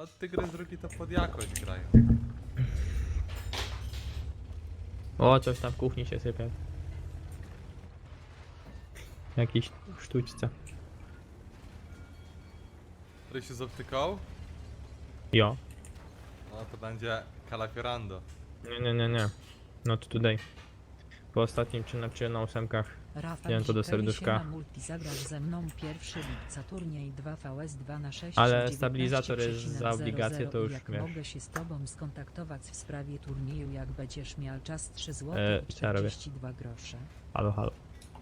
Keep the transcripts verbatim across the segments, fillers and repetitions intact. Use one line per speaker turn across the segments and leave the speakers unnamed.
No tygrys drugi to pod jakość grają.
O, coś tam w kuchni się sypie. Jakiś sztućce.
Który się zawtykał?
Jo.
No to będzie Calafiorando.
Nie, nie, nie, nie. Not today. Po ostatnim czy na, czy na ósemkach.
Rafał
Wziąłem to do
Zikeli
serduszka.
się na multi zagrasz ze mną pierwszego lipca turniej dwa V S dwa na sześć.
Ale stabilizator jest za obligację, to już
jak
wiesz.
mogę się z tobą skontaktować w sprawie turnieju, jak będziesz miał czas trzy złote
E,
i
co ja robię?
czterdzieści dwa grosze.
Halo, halo.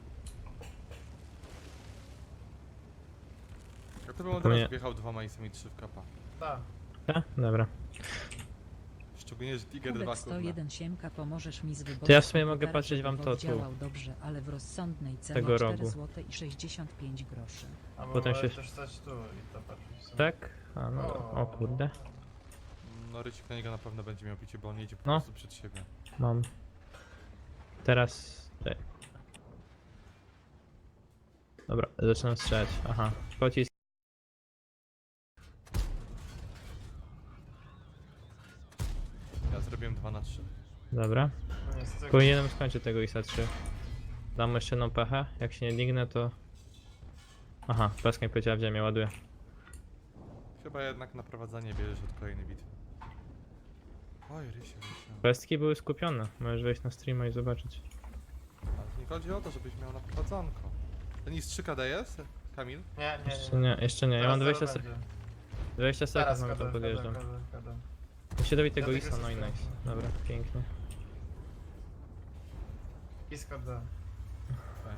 Ja to bym od
To
razu
nie-
wjechał dwoma i sami trzy w kapa.
Tak.
Tak? Dobra.
Szczególnie, że Tiger dwa
Kubek
kurwa.
sto jeden siemka, pomożesz mi z wyborem.
To ja w sumie mogę
komputera,
patrzeć
żeby
wam to
bot
tu.
działał dobrze, ale w rozsądnej cenie
Tego
cztery
rogu.
złote i sześćdziesiąt pięć groszy.
Albo
Potem
Potem
się-
też stać tu i to patrzeć sobie.
Tak? A no, o kurde.
No Rycik na niego na pewno będzie miał picie, bo on jedzie po
No.
prostu przed siebie.
Mam. Teraz... Tutaj. Dobra, zaczynam strzelać. Aha. Pocisk.
Ja zrobiłem dwa na trzy.
Dobra.
No niestety.
Powinienem skończyć tego I S A trzy. Dam jeszcze jedną pechę. Jak się nie dignę, to... Aha, peska mi powiedziała w ziemię, ładuję.
Chyba jednak naprowadzanie bierzesz od kolejnej bitwy. Oj, Rysiu, Rysiu.
Pestki były skupione. Możesz wejść na streama i zobaczyć.
Ale nie chodzi o to, żebyś miał naprowadzonko. Ten I S trzy K D jest? Kamil?
Nie, nie,
Jeszcze
nie.
nie, jeszcze nie. Ja mam
Teraz
dwadzieścia,
zaraz
sek
będzie.
dwadzieścia sekund,
Teraz
mam to
kadam,
podjeżdżam.
kadam, kadam, kadam.
Muszę dobić tego
Ja
I S A,
tego
no i
systemu.
nice. Dobra, pięknie.
Blisko do.
Okej.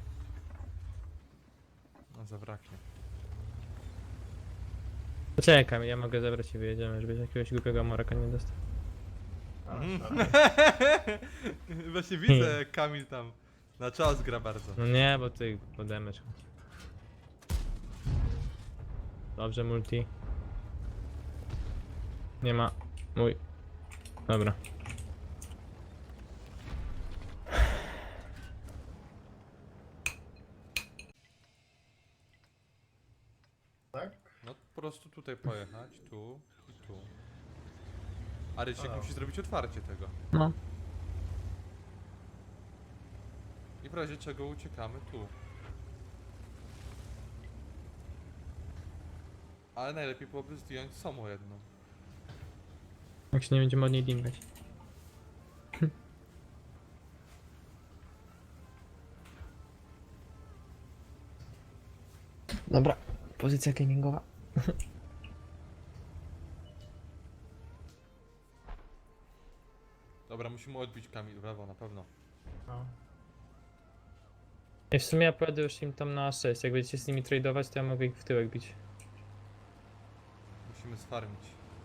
No zabraknie.
Poczekam, ja mogę zabrać i wyjedziemy, żebyś jakiegoś głupiego moraka nie dostał.
A,
Mhm.
dobra.
Właśnie widzę, Kamil tam na czas gra bardzo.
No nie, bo ty podemesz. Dobrze, multi. Nie ma. Mój. Dobra.
Tak?
No po prostu tutaj pojechać, tu i tu. A Rysiek
A.
musi zrobić otwarcie tego.
No.
I w razie czego uciekamy tu. Ale najlepiej byłoby zdjąć samo jedno.
Jak się nie będziemy od niej dingać. Dobra, pozycja gamingowa.
Dobra, musimy odbić Kamil w lewo na pewno.
No.
I w sumie ja pojadę już im tam na A sześć. Jak będziecie z nimi tradeować, to ja mogę ich w tyłek bić.
Musimy sfarmić.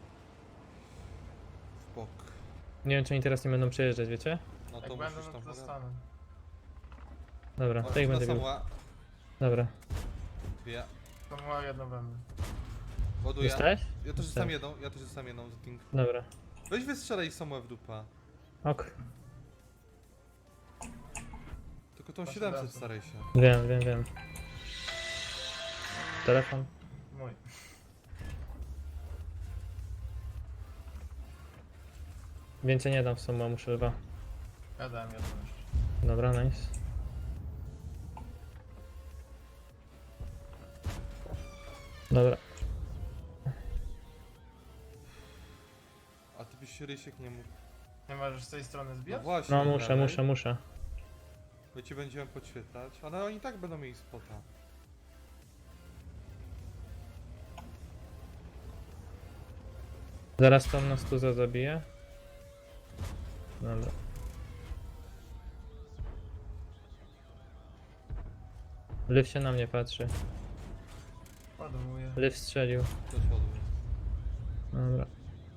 W bok.
Nie wiem, czy oni teraz nie będą przejeżdżać, wiecie?
No to
Jak
musisz
będę, no
tam
to
pogadać.
dostanę.
Dobra,
O,
to ich
na
będę bił.
Samuła.
Dobra.
Dwie.
To ma jedno będę.
Ładuję.
Dostałeś?
Ja też
Tak.
sam jedną, ja też sam jedną za ting.
Dobra.
Weź wystrzelaj Samuła w dupa.
Ok.
Tylko tą
Masz
siedemset
rację.
staraj się.
Wiem, wiem, wiem. Telefon.
Mój.
Więcej nie dam w sumie, muszę dwa.
Ja dałem jedno jeszcze.
Dobra, nice. Dobra.
A ty byś się Rysiek nie mógł.
Nie możesz z tej strony
No
zbijać?
właśnie.
No muszę,
dalej.
muszę, muszę.
My ci będziemy podświetlać, ale oni i tak będą mieli spota.
Zaraz tam na stuza zabiję. Dobra. Lyw się na mnie patrzy.
Ładowuję.
Lyw strzelił.
Też ładuję.
Dobra.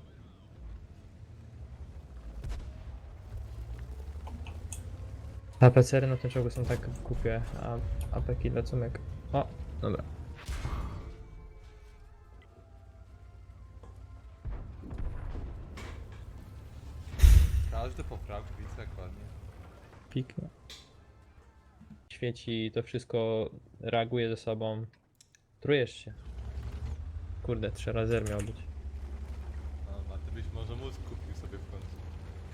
A P C-y na tym czołgu są tak głupie, a A P K dla cumek. O, dobra.
Każdy poprawki, widzę jak ładnie.
Piknie. Świeci, to wszystko reaguje ze sobą. Trujesz się. Kurde, trzy razy R miał być.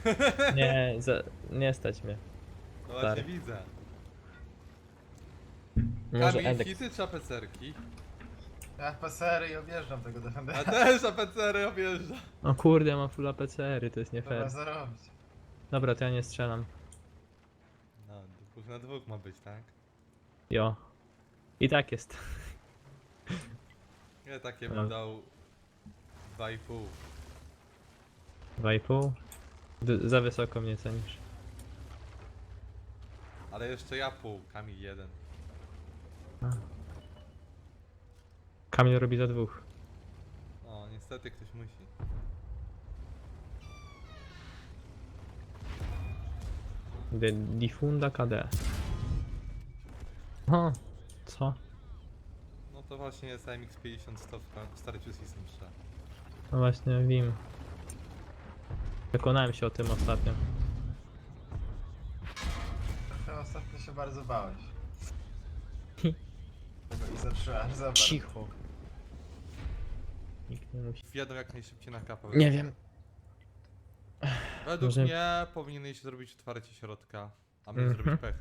Nie, za, nie stać mnie.
No właśnie
Stary.
widzę.
Może
Kamil,
Edek.
hity czy apecerki?
Ja pasery i objeżdżam tego
A
defendera.
też apecery objeżdża.
O kurde, ja mam full A P C R y, to jest nie
Trzeba
fair.
zarobić.
Dobra, to ja nie strzelam.
No, dwóch na dwóch ma być, tak?
Jo. I tak jest.
Ja takie
No.
bym dał dwa i pół.
Dwa i pół. D- za wysoko mnie cenisz.
Ale jeszcze ja pół, Kamil jeden.
Kamil robi za dwóch.
O, niestety ktoś musi.
De Difunda K D. O, co?
No to właśnie jest A M X pięćdziesiąt sto w starciu z Isem trzy.
No właśnie wiem. Przekonałem się o tym ostatnio.
Trochę ostatnio się bardzo bałeś. Tego i zatrzymałem, zobacz.
Cicho. Nikt nie musi.
Wjadą jak najszybciej na kapę.
Nie wiem.
Według
Może-
mnie powinieneś zrobić otwarcie środka, a my
Mhm.
zrobić pechę.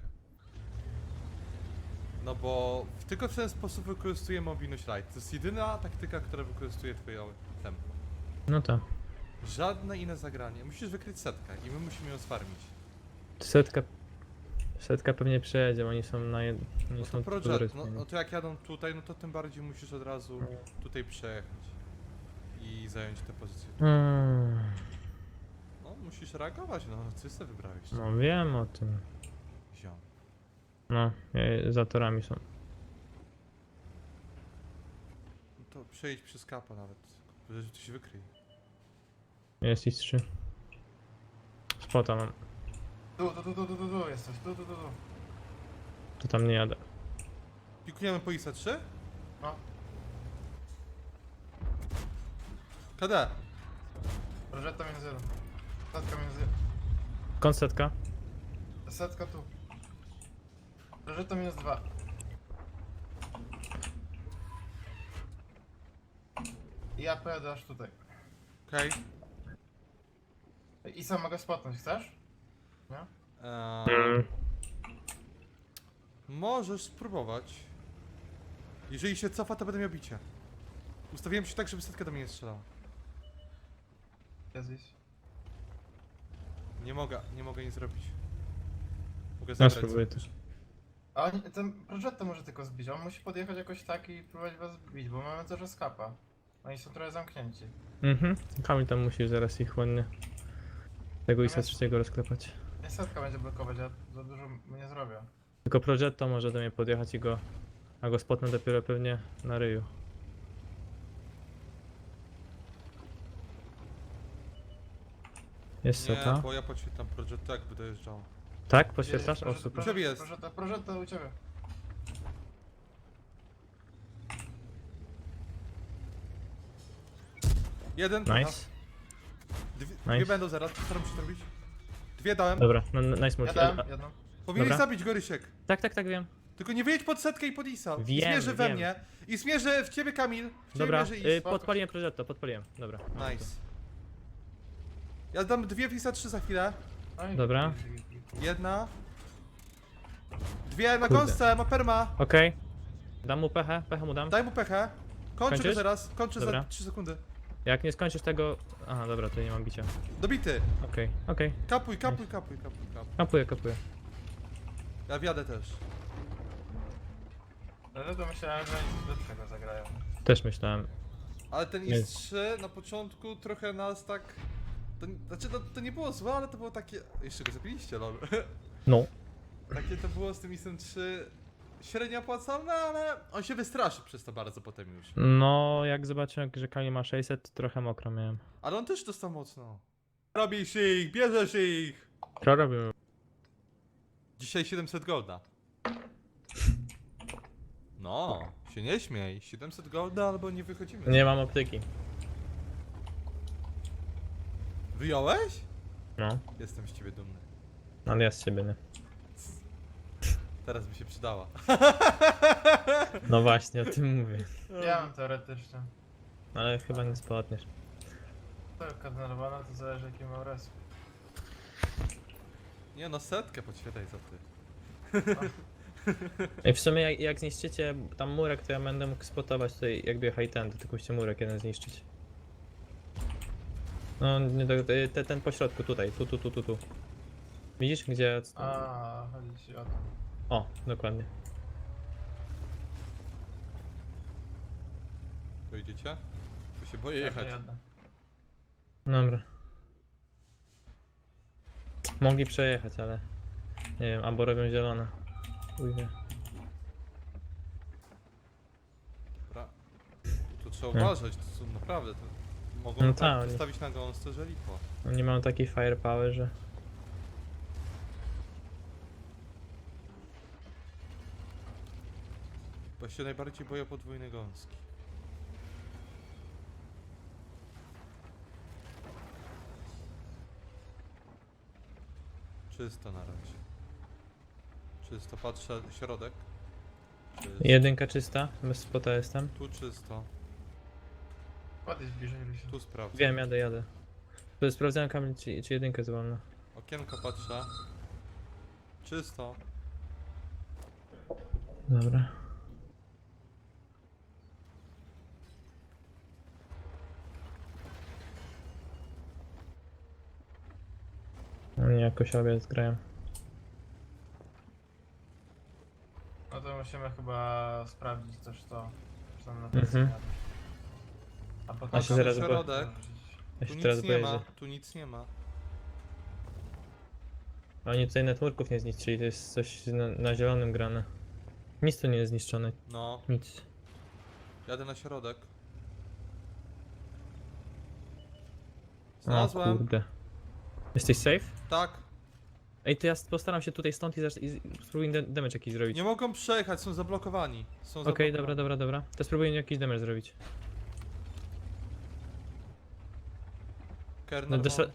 No bo w- tylko w ten sposób wykorzystuje mobilność light. To jest jedyna taktyka, która wykorzystuje twoje tempo.
No to.
Żadne inne zagranie. Musisz wykryć setkę i my musimy ją sfarmić.
Setka. Setka pewnie przejedzie, oni są na jed... Oni
No
są
to
tu
project,
zaraz
no,
pewnie.
no to jak jadą tutaj, no to tym bardziej musisz od razu tutaj przejechać. I zająć tę pozycję.
Mm,
No musisz reagować, no ty sobie wybrałeś.
no wiem o tym.
Ziom.
No, e, za torami są.
No to przejdź przez kapa nawet. Że coś wykryj.
Jest ich trzy. Spota mam.
Tu, tu, tu, tu, tu, tu, tu jesteś, tu, tu, tu, tu.
To tam nie jadę.
Pikujemy po ISA trzy?
No,
K D.
prożeta minus jeden. Setka minus jeden.
Kąt setka.
Setka tu. Prożeta minus dwa. I ja pojadę aż tutaj.
Okej.
I sam mogę spotnąć, chcesz? Nie?
Eee, możesz spróbować. Jeżeli się cofa, to będę miał bicie. Ustawiłem się tak, żeby setka do mnie nie strzelała.
Jest gdzieś.
Nie mogę, nie mogę nic zrobić. Mogę
Ja
zabrać.
spróbuję
sobie.
też.
A on, ten prożeta może tylko zbić, on musi podjechać jakoś tak i próbować was zbić, bo mamy też skapa. Oni są trochę zamknięci.
Mhm. Kamil tam musi zaraz ich ładnie. Tego isa
Natomiast-
trzeciego rozklepać.
Nie setka będzie blokować, ja za dużo mu nie zrobię.
Tylko Progetto może do mnie podjechać i go. A go spotnę dopiero pewnie na ryju. Jest
Nie,
seta.
bo ja podświetlam project jak by dojeżdżało.
Tak? Poświetlasz? O
Prożeta,
super.
U ciebie jest.
Prożeta, prożeta u ciebie.
Jeden.
Nice.
Dwie,
Nice.
dwie będą zaraz, staram się zrobić. Dwie dałem.
Dobra, no, no, nice
Ja
multi.
dałem
A-
jedną.
Powinieneś
Dobra.
zabić Gorysiek.
Tak, tak, tak, wiem.
Tylko nie wyjedź pod setkę i pod Isa. I
Wiem,
zmierzy we
wiem.
mnie. I zmierzy w ciebie Kamil. W ciebie
Dobra,
mierzy Is.
y, podpaliłem Progetto, podpaliłem. Dobra.
Nice. Ja dam dwie w Isa trzy za chwilę.
No i-
Dobra.
Jedna. Dwie na
Kurde.
gąsce, ma perma.
Okej. Dam mu pechę, pechę mu dam.
Daj mu pechę. Kończę go
Kończysz?
zaraz. Kończę
Dobra.
za trzy sekundy.
Jak nie skończysz tego... Aha, dobra, to nie mam bicia.
Dobity.
Okej, okej.
Kapuj, kapuj, kapuj, kapuj, kapuj.
Kapuję, kapuję.
Ja wjadę też.
Ale to myślałem, że oni coś lepszego zagrają.
Też myślałem.
Ale ten
Nie.
Is trzy na początku trochę nas tak... To, znaczy to, to nie było złe, ale to było takie... Jeszcze go zabiliście, lol.
No.
Takie to było z tym Isem trzy... Średnio opłacalne, ale on się wystraszy przez to bardzo potem już.
No, jak zobaczyłem, że Kali ma sześćset, to trochę mokro miałem.
Ale on też dostał mocno. Robisz ich, bierzesz ich!
Co robimy?
Dzisiaj siedemset golda. No, się nie śmiej. siedemset golda albo nie wychodzimy.
Nie mam optyki.
Wyjąłeś?
No,
Jestem z ciebie dumny.
ale ja z siebie nie.
Teraz by się przydała.
No właśnie, o tym mówię.
Ja mam teoretycznie.
Ale chyba nie spotniesz.
To jak denerwowana, to zależy jaki mam res.
Nie no, setkę podświetlaj za ty.
I w sumie jak, jak zniszczycie tam murek, to ja będę mógł spotować tutaj jakby high ten, to tylko musicie murek jeden zniszczyć. No, nie, do- te, ten po środku tutaj, tu, tu, tu, tu, tu. Widzisz gdzie?
A, chodzi ci o to.
O, dokładnie.
Pojedziecie? Tu się boję
Ja
jechać.
jadę.
Dobra. Mogli przejechać, ale nie wiem, albo robią zielone. Uj, nie.
Dobra. Tu trzeba
Nie.
uważać, to są naprawdę. To mogą
No
no
tak,
tak
oni-
postawić na gąsce, że lipo.
Oni mają taki firepower, że...
Bo się najbardziej boję podwójnej gąski. Czysto na razie. Czysto, patrzę środek. Czysto.
Jedynka czysta, bez spota jestem.
Tu czysto,
Podejdź bliżej, Rysiu.
tu sprawdzę.
Wiem, jadę, jadę. To sprawdzałem kamień, czy, czy jedynkę jest wolna.
Okienko patrzę. Czysto.
Dobra. Oni jakoś obiad zgrają.
No to musimy chyba sprawdzić też to. Czy tam na
Mhm.
mhm. A potem
Ja się zaraz bo-
środek.
Ja
Tu
się
nic
teraz
nie
boję,
ma,
że...
tu nic nie ma.
Oni tutaj networków nie zniszczyli, to jest coś na, na zielonym grane. Nic tu nie jest zniszczone,
No,
nic.
jadę na środek.
O
Znalazłem.
kurde. Jesteś safe?
Tak.
Ej, to ja postaram się tutaj stąd i, zacz- i spróbuję da- damage jakiś zrobić.
Nie mogą przejechać, są zablokowani. Są
Okej,
zablokowani.
dobra, dobra, dobra. To spróbuję jakiś damage zrobić.
Kerner
No,
no,
desza-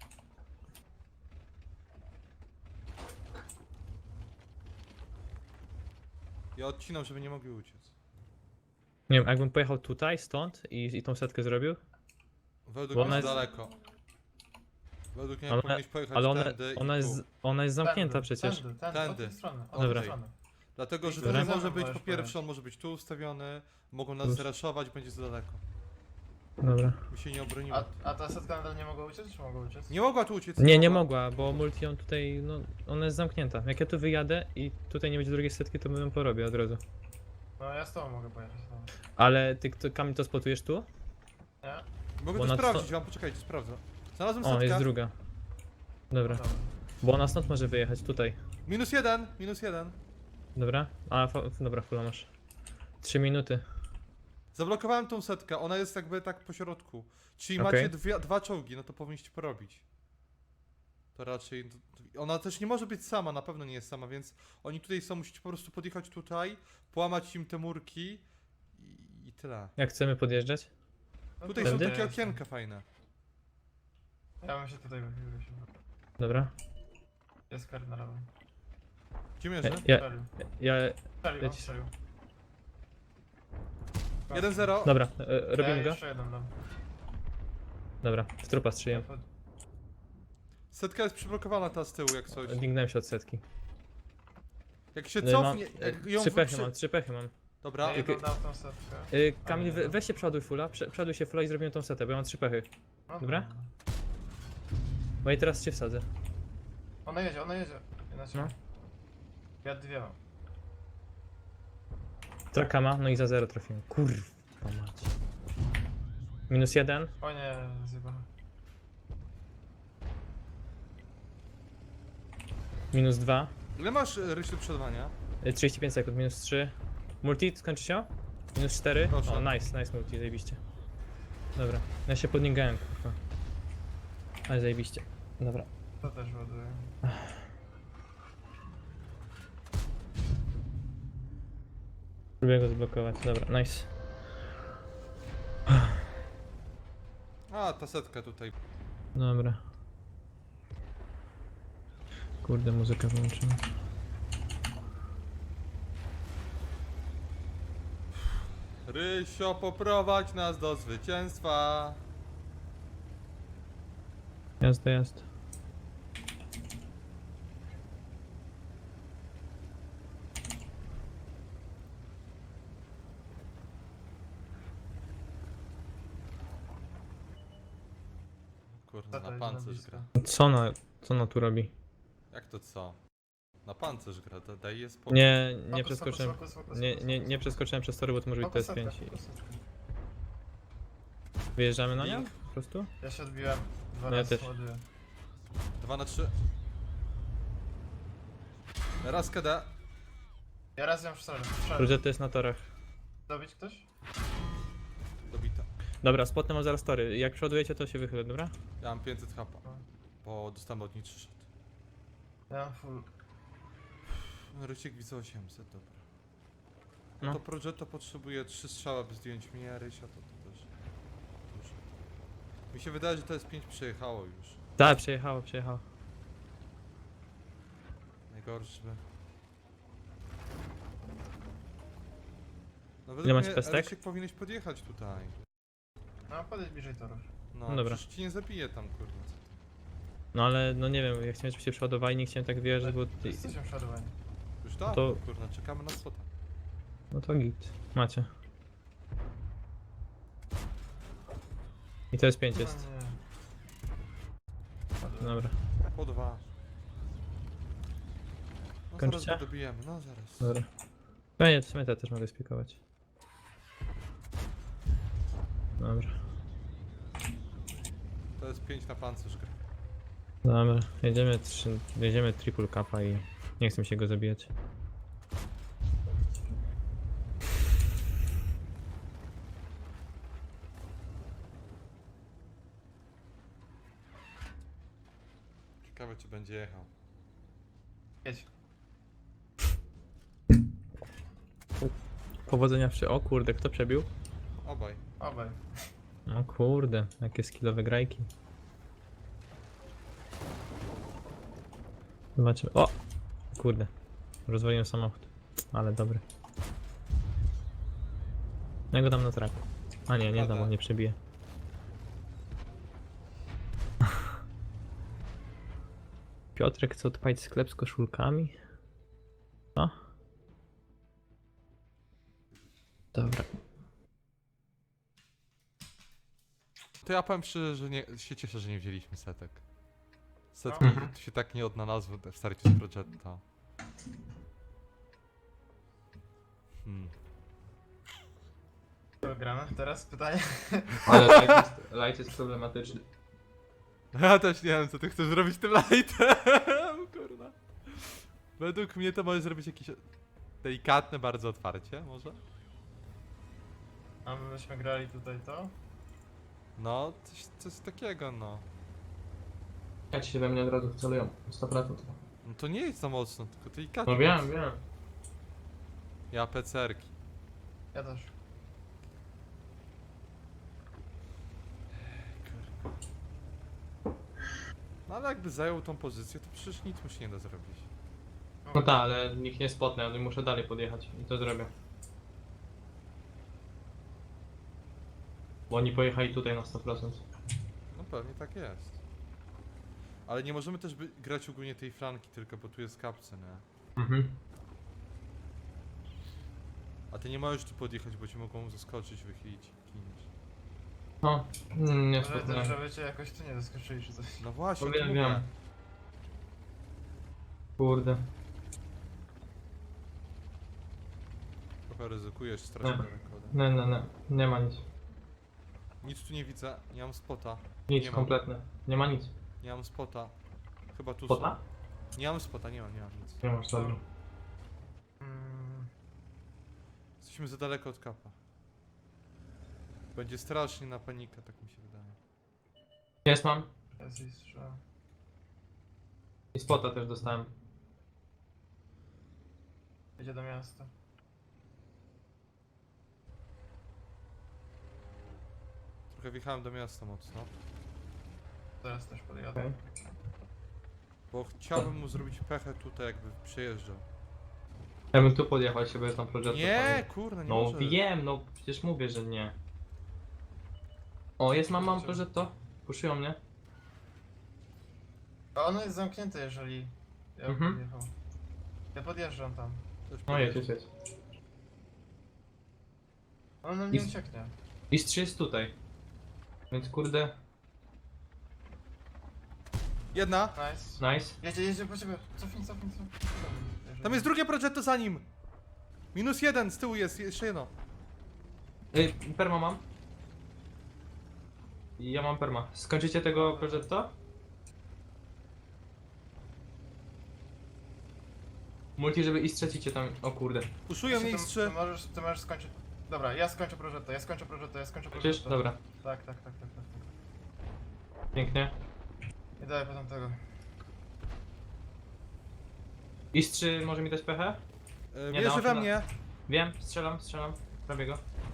Ja odcinam, żeby nie mogli uciec.
Nie wiem, jakbym pojechał tutaj, stąd i, i tą setkę zrobił,
Według
Bo
mnie
ona
jest
jest-
daleko. Według mnie
Ale-
powinieneś pojechać
ale ona,
tędy i
ona,
tu.
jest, ona jest zamknięta
Tędy,
przecież.
Tędy, tędy,
Tędy.
od tej strony. Od
Dobra.
tej strony.
Dlatego, że
Dobra.
tutaj może być
Możesz
po pierwsze,
pojechać.
on może być tu ustawiony, mogą nas
Plus.
zraszować, będzie za daleko.
Dobra.
My się nie obronimy.
A, a ta setka nadal nie mogła uciec, czy mogła uciec?
Nie mogła tu uciec.
Nie, nie mogła, bo multi on tutaj, no, ona jest zamknięta. Jak ja tu wyjadę i tutaj nie będzie drugiej setki, to bym ją porobię od razu.
No ja z tobą mogę pojechać. No.
Ale ty, kto, Kamil, to spotujesz tu?
Nie?
Mogę
Bo
to
na
sprawdzić
sto-
wam, poczekajcie, sprawdzę. Znalazłem
O, jest
setkę.
druga. Dobra.
Dobra.
Bo ona stąd może wyjechać, tutaj.
Minus jeden, minus jeden.
Dobra? A, fa- dobra, fula masz. Trzy minuty.
Zablokowałem tą setkę, ona jest jakby tak po środku. Czyli
Okej.
macie dwie, dwa czołgi, no to powinniście porobić. To raczej... Ona też nie może być sama, na pewno nie jest sama, więc oni tutaj są, musicie po prostu podjechać tutaj, połamać im te murki i, i tyle.
Jak chcemy podjeżdżać?
No
Tutaj
to
są
Tędy?
takie
jest.
okienka fajne.
Ja bym się tutaj wychylił. Rysiu.
Dobra.
Jest kar na lewym.
Gdzie
Ja,
mierzę?
ja,
Strzelił.
ja
Strzelił,
leci-
strzelił.
jeden zero.
dobra, e, robimy
ja
go?
jeszcze jeden dam.
Dobra, w trupa strzeliłem.
Setka jest przyblokowana ta z tyłu, jak coś.
Dignąłem się od setki.
Jak się
No i mam,
cofnie,
e,
jak ją
trzy pechy
przy...
mam, trzy pechy mam.
Dobra,
Ja jedną dam tą setkę.
Y, Kamil, we, weź się przoduj fula, prze, przoduj się fula i zrobimy tą setę, bo ja mam trzy pechy.
No
Dobra? Bo i teraz cię wsadzę.
Ona jedzie, ona jedzie. Inaczej.
No.
Ja dwie mam.
Trakama, no i za zero trafiłem. Kurwa mać. Minus jeden.
O nie, zjebałem.
Minus dwa.
ile masz e, Rysiu przodowania?
y, trzydzieści pięć sekund, minus trzy. Multi, skończy się? Minus cztery.
Proszę.
O, nice, nice multi, zajebiście. Dobra, ja się podnigałem, kurwa. Ale zajebiście. Dobra.
To też ładuję.
Próbuję go zblokować, dobra, nice.
A, ta setka tutaj.
Dobra. Kurde, muzyka wyłączyła.
Rysio, poprowadź nas do zwycięstwa.
Jazda, jazda.
Kurna,
to
na
jest
pancerz
blisko.
gra.
Co ona, co ona tu robi?
Jak to co? Na pancerz gra, da- daj je spokój.
Nie, nie
Fokus,
przeskoczyłem.
fokus, fokus,
Nie,
fokus,
nie,
fokus,
nie
fokus.
przeskoczyłem przez tory, bo to może być
Fokus
T S pięć.
setka, fokus setka.
Wyjeżdżamy na nią?
Link.
Po prostu?
Ja się odbiłem. Dwa
No ja
razy
też.
ładuję.
Dwa na trzy. Raz K D.
Ja raz ją strzelę. strzelę.
Progetto jest na torach.
Dobić ktoś?
Dobita.
Dobra, spotnę mam zaraz tory. Jak przodujecie, to się wychylę, dobra?
Ja mam pięćset hapa.
No.
Bo dostałem od niej trzy shot.
Ja mam full.
Rysiek widzę osiemset, dobra.
No.
To Progetto potrzebuje trzy strzały, by zdjąć mnie, a Rysia to, to też dużo. Mi się wydaje, że to jest pięć przejechało już.
Tak, przejechało, przejechało.
Najgorsze. No
Ile
według
masz
mnie
pestek?
Rysiek powinieneś podjechać tutaj.
No podejść bliżej torów.
No,
No dobra.
przecież ci nie zabije tam, kurwa. co ty.
No ale, no nie wiem, ja chciałem, żebyście przeładowali, nie chciałem tak wjeżdżać, bo...
Jesteśmy przeładowani.
Już tak?
To-
Kurwa, czekamy na spota.
No to git. Macie. I to jest pięć jest.
No, nie. Ładuję.
Dobra,
Po dwa. No
Kończycie?
zaraz go dobijemy, no zaraz.
dobra. No nie, w sumie te też mogę spikować. Dobra,
To jest pięć na pancerz gra.
dobra. Jedziemy, trzy, jedziemy triple kappa i nie chcę mi się go zabijać.
Ciekawe czy będzie jechał.
Jedź.
Powodzenia przy... O kurde, kto przebił?
Obaj.
Obaj.
O kurde, jakie skillowe grajki. Zobaczymy. O! Kurde. Rozwaliłem samochód. Ale dobry. Ja go dam na traku. A nie, nie dam, on nie przebije. Piotrek chce odpalić sklep z koszulkami? Co? Dobra.
To ja powiem szczerze, że nie, się cieszę, że nie wzięliśmy setek. Setki
Mhm.
się tak nie odnalazły w starciu z Progetto. Hmm.
To gramy. Teraz pytanie.
Ale light jest, light jest problematyczny.
Ja też nie wiem co ty chcesz zrobić tym lightem, kurwa. Według mnie to możesz zrobić jakieś delikatne bardzo otwarcie, może?
A my byśmy grali tutaj to?
No, coś, coś takiego no.
Jak się we mnie od razu wcelują, sto procent.
No to nie jest za mocno, tylko delikatnie.
No wiem, wiem.
Ja pecerki.
Ja też.
No ale jakby zajął tą pozycję, to przecież nic mu się nie da zrobić.
No tak, ale nikt nie spotnę, ale muszę dalej podjechać i to zrobię. Bo oni pojechali tutaj na sto procent.
No pewnie tak jest. Ale nie możemy też by grać ogólnie tej flanki tylko, bo tu jest kapce, nie?
Mhm.
A ty nie możesz tu podjechać, bo ci mogą zaskoczyć, wychylić i giniesz.
No, mm, nie
Może też,
spotnę.
żeby cię jakoś tu nie zaskoczyli czy coś.
No właśnie,
No
to
wiem,
mówię.
wiem. Kurde.
Trochę ryzykujesz, stracić
Nie.
rekordy.
Nie, nie, nie. Nie ma nic.
Nic tu nie widzę, nie mam spota.
Nic,
Nie mam.
kompletne. Nie ma nic.
Nie mam spota. Chyba tu
Spota?
są. Nie mam spota, nie mam, nie mam nic.
Nie masz, dobra.
Mm,
Jesteśmy za daleko od kapa. Będzie strasznie na panikę, tak mi się wydaje.
Jest mam.
jest i strzał.
I spota też dostałem.
Jedzie do miasta.
Trochę wjechałem do miasta mocno.
Teraz też podjadę.
Okej.
Bo chciałbym mu zrobić pechę tutaj, jakby przejeżdżał.
Ja bym tu podjechał, się bez tam projektu.
Nie, kurna, nie
No
może.
wiem, no przecież mówię, że nie. O, jest mam, mam to. Puszują mnie.
A ono jest zamknięte, jeżeli ja bym
Mhm.
podjechał. Ja podjeżdżam tam.
Też
No jedź, jedź, jedź.
On nam nie
Jest-
ucieknie.
List trzy jest tutaj. Więc kurde.
Jedna.
Nice.
Nice.
Jedzie, jedzie, po ciebie. Cofnij, cofnij, cofnij.
Tam jest drugie progetto za nim. Minus jeden, z tyłu jest, jeszcze jedno.
Ej, perma mam. Ja mam perma. Skończycie tego progetto? Multi, żeby i strzacicie tam. O kurde.
Puszują mnie
ty,
X trzy.
ty, możesz, ty możesz skończyć. Dobra, ja skończę prożetto, ja skończę prożetto, ja skończę
Przecież?
prożetto.
Dobra.
Tak, tak, tak, tak, tak. tak.
Pięknie.
I daję potem tego.
Is trzy może mi dać pechę?
E,
Nie,
Bierze
no,
we
no.
mnie.
Wiem, strzelam, strzelam. Robię go.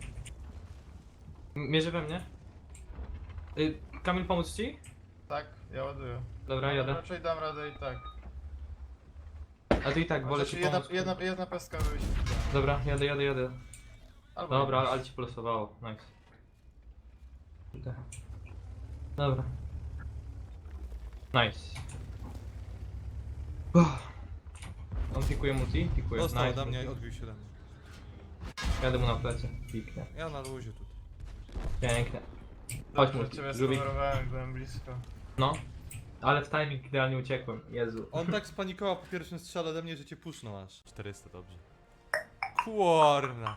M- Mierzy we mnie. Y, Kamil, pomóc ci?
Tak, ja ładuję.
Dobra, jadę.
Raczej dam radę i tak.
A ty i tak, wolę
Znaczy,
ci
jedna,
pomóc.
jedna, jedna peska wyjść.
Dobra, jadę, jadę, jadę.
Albo
Dobra,
jedna.
ale ci polosowało. Nice. Kurde. Dobra. Nice. Uff. On pikuje multi? Pikuje.
Dostał
Nice.
ode mnie, odbił się ode mnie.
Jadę mu na plecy. Piknie.
Ja na luzie tutaj.
Pięknie. Chodź
Dobrze,
multi.
ciebie
Żółwik.
skowerowałem, byłem blisko.
No. Ale w timing idealnie uciekłem. Jezu.
On tak spanikował po pierwszym strzale ode mnie, że cię pusznął aż. czterysta, dobrze. Kurna.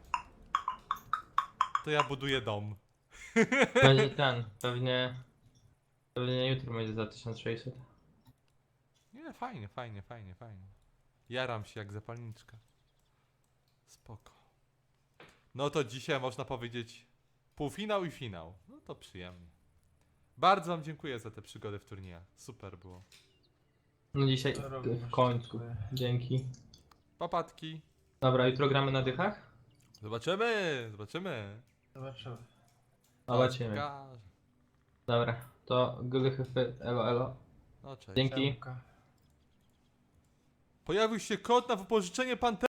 To ja buduję dom.
Będzie ten. Pewnie... Pewnie jutro będzie za tysiąc sześćset.
Nie, fajnie, fajnie, fajnie, fajnie. Jaram się jak zapalniczka. Spoko. No to dzisiaj można powiedzieć półfinał i finał. No to przyjemnie. Bardzo wam dziękuję za tę przygodę w turniejach. Super było.
No dzisiaj
To również
w końcu.
dziękuję.
Dzięki.
Papatki.
Dobra, jutro gramy na dychach?
Zobaczymy, zobaczymy.
Zobaczymy.
Zobaczymy.
Pokażę.
Dobra, to glychyfy, elo elo.
No cześć.
Dzięki.
Siemka.
Pojawił się kod na wypożyczenie Pantera.